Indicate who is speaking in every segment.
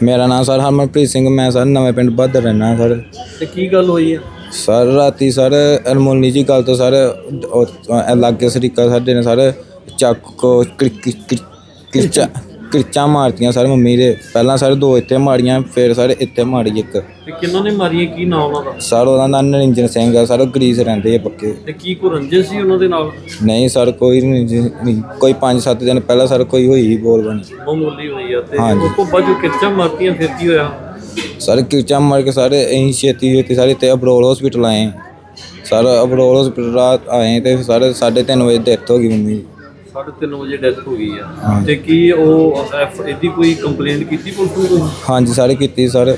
Speaker 1: मेरा नाम सर हरमनप्रीत सिंह, मैं सर नवे पिंड बहादर रहना सर।
Speaker 2: ਤੇ ਕੀ ਗੱਲ ਹੋਈ ਹੈ?
Speaker 1: सर राती सर अनमोली जी गल तो सर लागे सरीका साडे ने सर चाकू किरचा मारतियां सर मम्मी दे। पहला सर 2 इत्थे मारियां, फिर सर इत्थे मारी एक।
Speaker 2: ਤੇ ਕਿੰਨਾਂ ਨੇ ਮਾਰੀਆਂ? ਕੀ ਨਾਮ ਉਹਨਾਂ ਦਾ?
Speaker 1: सर ਉਹਦਾ ਨਾਂ ਨਰਿੰਜਨ ਸਿੰਘ ਆ ਸਰ, ਉਹ ਗਰੀਸ ਰਹਿੰਦੇ ਆ ਪੱਕੇ।
Speaker 2: ਤੇ ਕੀ ਕੋ ਰੰਜਿਸ਼ ਸੀ ਉਹਨਾਂ ਦੇ ਨਾਲ?
Speaker 1: ਨਹੀਂ ਸਰ ਕੋਈ ਨਹੀਂ, ਕੋਈ 5-7 ਦਿਨ ਪਹਿਲਾਂ ਸਰ ਕੋਈ ਹੋਈ ਸੀ ਬੋਲ ਬਣੀ
Speaker 2: ਮਾਮੂਲੀ ਹੋਈ ਆ। ਤੇ
Speaker 1: ਹਾਂਜੀ।
Speaker 2: ਉਸ ਤੋਂ ਬਾਅਦ ਜੋ ਕਿਰਚਾਂ ਮਾਰਤੀਆਂ ਫਿਰ ਕੀ ਹੋਇਆ?
Speaker 1: सर किरचा मार के सर अं छेती सारे इतने अबरोल हॉस्पिटल आए। सर अबरोल हॉस्पिटल रात आए तो सर 3:30 बजे डेथ हो गई मम्मी।
Speaker 2: 3:30 ਵਜੇ ਡੈਥ ਹੋ ਗਈ ਆ। ਤੇ ਕੀ ਉਹ ਇਹਦੀ ਕੋਈ ਕੰਪਲੇਂਟ ਕੀਤੀ ਪੁਲਿਸ ਨੂੰ?
Speaker 1: हाँ जी सर की सर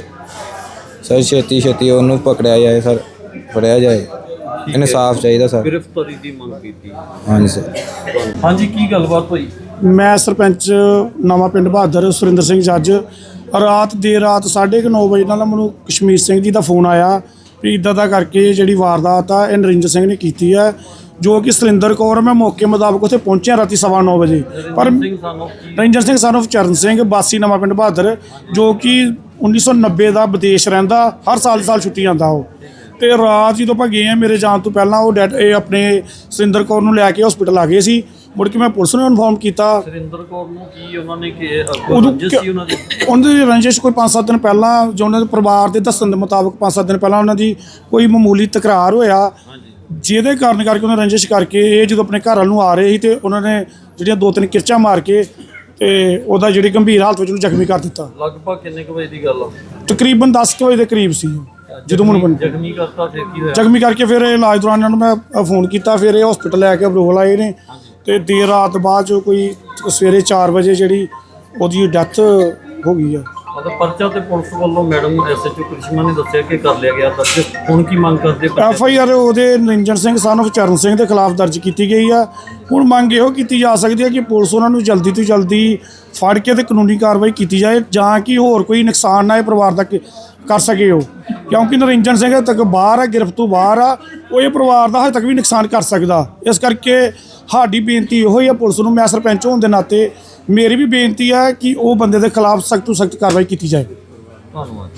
Speaker 1: छेती ਉਹਨੂੰ पकड़िया जाए सर, फड़िया जाए, इंसाफ चाहिए सर।
Speaker 2: ਗ੍ਰਿਫਤਾਰੀ ਦੀ ਮੰਗ ਕੀਤੀ।
Speaker 1: हाँ जी सर।
Speaker 2: ਹਾਂਜੀ, ਕੀ ਗੱਲਬਾਤ ਹੋਈ?
Speaker 3: ਮੈਂ ਸਰਪੰਚ ਨਵਾਂ ਪਿੰਡ ਬਹਾਦਰ ਸੁਰਿੰਦਰ ਸਿੰਘ ਜੱਜ ਰਾਤ ਦੇਰ ਰਾਤ 9:30 ਵਜੇ ਨਾਲ ਮੈਨੂੰ ਕਸ਼ਮੀਰ ਸਿੰਘ ਜੀ ਦਾ ਫੋਨ ਆਇਆ ਵੀ ਇੱਦਾਂ ਦਾ ਕਰਕੇ ਜਿਹੜੀ ਵਾਰਦਾਤ ਆ ਇਹ ਨਰਿੰਦਰ ਸਿੰਘ ਨੇ ਕੀਤੀ ਹੈ, ਜੋ ਕਿ ਸੁਰਿੰਦਰ ਕੌਰ। ਮੈਂ ਮੌਕੇ ਮੁਤਾਬਕ ਉੱਥੇ ਪਹੁੰਚਿਆ ਰਾਤੀ 9:15 ਵਜੇ। ਪਰ ਨਰਿੰਦਰ ਸਿੰਘ ਸਾਨੂੰ ਚਰਨ ਸਿੰਘ ਵਾਸੀ ਨਵਾਂ ਪਿੰਡ ਬਹਾਦਰ, ਜੋ ਕਿ 1990 ਦਾ ਵਿਦੇਸ਼ ਰਹਿੰਦਾ, ਹਰ ਸਾਲ ਛੁੱਟੀ ਆਉਂਦਾ ਉਹ। ਤੇ ਰਾਤ ਜਦੋਂ ਆਪਾਂ ਗਏ ਆ, ਮੇਰੇ ਜਾਣ ਤੋਂ ਪਹਿਲਾਂ ਉਹ ਇਹ ਆਪਣੇ ਸੁਰਿੰਦਰ ਕੌਰ ਨੂੰ ਲੈ ਕੇ ਹਸਪੀਟਲ ਆ ਗਏ ਸੀ। ਮੁੜ ਕੇ ਮੈਂ ਪੁਲਿਸ ਨੂੰ ਇਨਫੋਰਮ ਕੀਤਾ।
Speaker 2: ਸੁਰਿੰਦਰ ਕੌਰ ਨੂੰ ਕੀ ਉਹਨਾਂ ਨੇ ਰੰਜਿਸ਼ ਸੀ ਉਹਨਾਂ ਦੀ?
Speaker 3: ਉਹਨਾਂ ਦੀ ਰੰਜਿਸ਼ ਕੋਈ 5-7 ਦਿਨ ਪਹਿਲਾਂ, ਜੋ ਉਹਨਾਂ ਦੇ ਪਰਿਵਾਰ ਦੇ ਦੱਸਣ ਦੇ ਮੁਤਾਬਕ 5-7 ਦਿਨ ਪਹਿਲਾਂ ਉਹਨਾਂ ਦੀ ਕੋਈ ਮਾਮੂਲੀ ਤਕਰਾਰ ਹੋਇਆ, ਜਿਹਦੇ ਕਾਰਨ ਕਰਕੇ ਉਹਨਾਂ ਰੰਜਿਸ਼ ਕਰਕੇ ਇਹ ਜਦੋਂ ਆਪਣੇ ਘਰ ਵੱਲ ਨੂੰ ਆ ਰਹੇ ਸੀ ਤੇ ਉਹਨਾਂ ਨੇ ਜਿਹੜੀਆਂ 2-3 ਕਿਰਚਾਂ ਮਾਰ ਕੇ ਤੇ ਉਹਦਾ ਜਿਹੜੀ ਗੰਭੀਰ ਹਾਲਤ ਵਿੱਚ ਉਹਨੂੰ ਜ਼ਖਮੀ ਕਰ ਦਿੱਤਾ।
Speaker 2: ਲਗਭਗ ਕਿੰਨੇ ਕੁ ਵਜੇ ਦੀ ਗੱਲ ਆ?
Speaker 3: ਤਕਰੀਬਨ 10 ਵਜੇ ਦੇ ਕਰੀਬ ਸੀ ਜਦੋਂ ਮੈਨੂੰ
Speaker 2: ਜ਼ਖਮੀ ਕਰਤਾ। ਫਿਰ ਕੀ ਹੋਇਆ?
Speaker 3: ਜ਼ਖਮੀ ਕਰਕੇ ਫਿਰ ਇਲਾਜ ਦੌਰਾਨ ਇਹਨਾਂ ਨੂੰ ਮੈਂ ਫੋਨ ਕੀਤਾ, ਫਿਰ ਇਹ ਹਸਪੀਟਲ ਲੈ ਕੇ ਅਬਰੋਲ ਆਏ ਨੇ। ਤੇ ਦੇਰ ਰਾਤ ਬਾਅਦ ਜੋ ਕੋਈ ਸਵੇਰੇ 4 ਵਜੇ ਜਿਹੜੀ ਉਹਦੀ ਡੈਥ ਹੋ ਗਈ ਆ।
Speaker 2: ਮਤਲਬ ਪਰਚਾ ਤੇ ਪੁਲਿਸ ਵੱਲੋਂ ਮੈਡਮ ਐਸਐਚਓ ਕ੍ਰਿਸ਼ਮਾ ਨੇ ਦੱਸਿਆ ਕਿ ਕਰ ਲਿਆ ਗਿਆ ਦਰਜ। ਹੁਣ ਕੀ ਮੰਗ ਕਰਦੇ?
Speaker 3: FIR ਉਹਦੇ ਨਰਿੰਜਨ ਸਿੰਘ son of ਚਰਨ ਸਿੰਘ ਦੇ ਖਿਲਾਫ ਦਰਜ ਕੀਤੀ ਗਈ ਆ। ਹੁਣ ਮੰਗ ਇਹੋ ਕੀਤੀ ਜਾ ਸਕਦੀ ਹੈ ਕਿ ਪੁਲਿਸ ਉਹਨਾਂ ਨੂੰ ਜਲਦੀ ਤੋਂ ਜਲਦੀ ਫੜ ਕੇ ਤੇ ਕਾਨੂੰਨੀ ਕਾਰਵਾਈ ਕੀਤੀ ਜਾਏ, ਜਾਂ ਕਿ ਹੋਰ ਕੋਈ ਨੁਕਸਾਨ ਨਾ ਇਹ ਪਰਿਵਾਰ ਦਾ ਕਰ ਸਕੇ ਉਹ, ਕਿਉਂਕਿ ਨਰਿੰਜਨ ਸਿੰਘ ਹਜੇ ਤੱਕ ਬਾਹਰ ਆ, ਗ੍ਰਿਫਤ ਤੋਂ ਬਾਹਰ ਆ, ਉਹ ਇਹ ਪਰਿਵਾਰ ਦਾ ਹਜੇ ਤੱਕ ਵੀ ਨੁਕਸਾਨ ਕਰ ਸਕਦਾ। ਇਸ ਕਰਕੇ ਸਾਡੀ ਬੇਨਤੀ ਇਹੋ ਹੀ ਆ ਪੁਲਿਸ ਨੂੰ, ਮੈਂ ਸਰਪੰਚ ਹੋਣ ਦੇ ਨਾਤੇ ਮੇਰੀ ਵੀ ਬੇਨਤੀ ਹੈ ਕਿ ਉਹ ਬੰਦੇ ਦੇ ਖਿਲਾਫ ਸਖਤ ਤੋਂ ਸਖਤ ਕਾਰਵਾਈ ਕੀਤੀ ਜਾਏ।
Speaker 2: ਧੰਨਵਾਦ।